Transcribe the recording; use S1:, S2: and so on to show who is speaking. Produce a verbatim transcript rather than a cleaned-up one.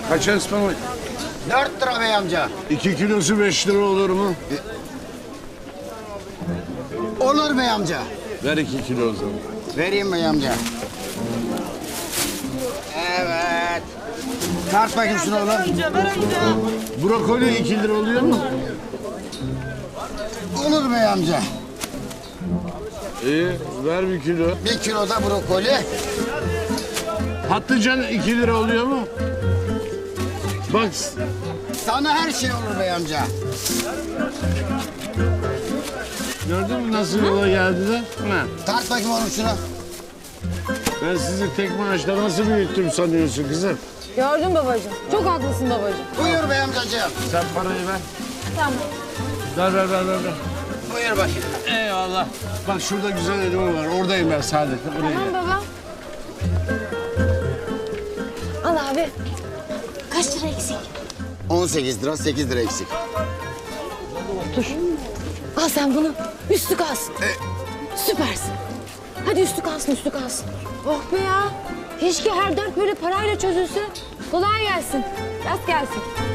S1: Kaç ıspanak?
S2: Dört lira bey amca.
S1: İki kilosu beş lira olur mu?
S2: Olur bey amca.
S1: Ver iki kilo o zaman.
S2: Vereyim bey amca. Evet. Tart bakayım şunu oğlum.
S1: Brokoli iki lira oluyor mu?
S2: Olur bey amca.
S1: İyi, ver bir kilo.
S2: Bir kilo da brokoli.
S1: Patlıcan iki lira oluyor mu? Bak,
S2: Sana her şey olur bey amca.
S1: gördün mü nasıl yola geldiler? Ha.
S2: Tart bakayım oğlum şunu.
S1: Ben sizi tek maaşla nasıl büyüttüm sanıyorsun kızım?
S3: Gördün babacığım. Çok haklısın babacığım.
S2: Buyur bey amcacığım.
S1: Sen parayı ver.
S3: Tamam.
S1: Ver, ver, ver, ver. ver.
S2: Buyur bakayım.
S1: Eyvallah. Bak şurada güzel elma var. Oradayım ben Saadet. Oraya
S3: Tamam
S1: gel.
S3: baba. Al abi. Kaç lira eksik?
S2: On sekiz lira, sekiz lira eksik.
S3: Al sen bunu. Üstü kalsın. Süpersin. Hadi üstü kalsın, üstü kalsın. Oh be ya. Keşke her dert böyle parayla çözülse. Kolay gelsin. Rast gelsin.